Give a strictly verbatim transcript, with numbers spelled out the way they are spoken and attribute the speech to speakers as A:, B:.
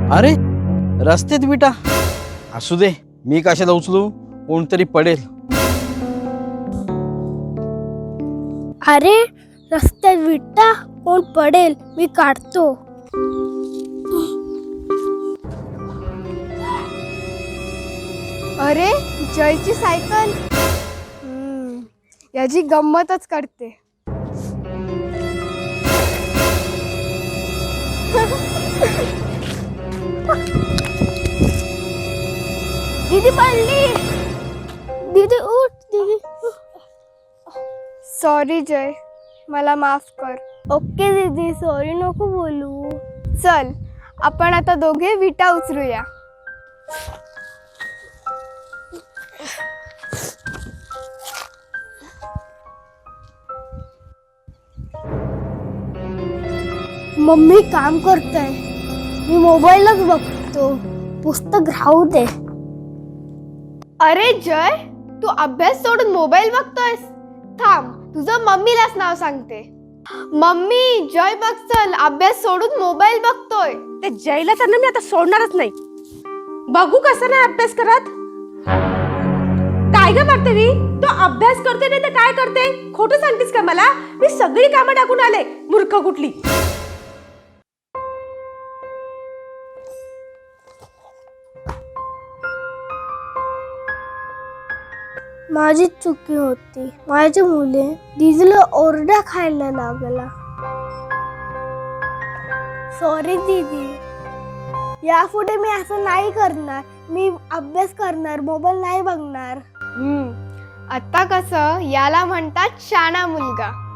A: अरे रस्त्यात विटा, असू दे, मी कशाला उचलू, कोणतरी पडेल.
B: अरे रस्त्यात विटा, कोण पडेल, मी काढतो.
C: अरे जयची सायकल, याची गंमतच करते.
B: दीदी पडली. दीदी उठ. दीदी
C: सॉरी जय, मला माफ कर.
B: ओके दीदी, सॉरी नको बोलू.
C: चल आपण आता दोघे विटा उचलूया.
B: मम्मी काम करताय, मी मोबाईलच बघतो. पुस्तक राहू दे.
C: अरे जय, तू अभ्यास सोडून मोबाईल बघतोयस? थांब, तुझं मम्मीलाच नाव सांगते. मम्मी, जय बघ, चल अभ्यास सोडून मोबाईल बघतोय.
D: ते जयला तर ना मी आता सोडणारच नाही. बघू कसं नाही अभ्यास करत. काय ग बघते मी, तो अभ्यास करते नाही तर काय करते? खोटं सांगतेस का मला? मी सगळी कामं टाकून आले, मूर्ख कुठली.
B: माझीच चुकी होती. माझ्या मुले दीदीला ओरडा खायला लागला. सॉरी दीदी, यापुढे मी असं नाही करणार. मी अभ्यास करणार, मोबाईल नाही बघणार.
C: हम्म आता कसं, याला म्हणतात शाणा मुलगा.